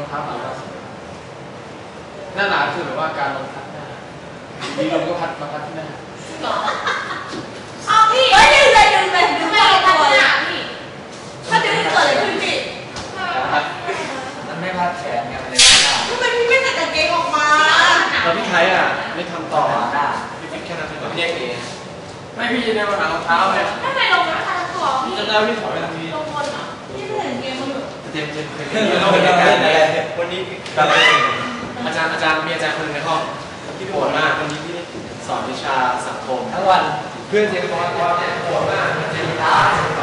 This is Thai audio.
เท้าหนาหน้าหนาคือแบบว่าการลงพัดหน้าดีลมก็พัดมาพัดที่หน้าเอาพี่ไม่ดึงเลยดึงเลยดึงไม่ลงพัดหน้าพี่ถ้าดึงเกิดอะไรขึ้นพี่มันไม่พัดแขนไงมันเลยไม่ได้ทำไมพี่ไม่ใส่กางเกงออกมาแล้วพี่ไทยอ่ะไม่ทำต่อได้พี่ฟิกแค่นั้นเองแยกเองไม่พี่ในวันหารองเท้าเนี่ยทำไมลงมาทางตัวพี่จำได้พี่ถอยไปทางนี้ลงบนอ่ะพี่ไม่เห็นเกงมันอยู่เต็มเคยเราเป็นการวันนี้อาจารย์มีอาจารย์คนนึงในห้องที่ปวดมากวันนี้พี่สอนวิชาสังคมทั้งวันเพื่อนเจนบอกว่าปวดมากเจนตา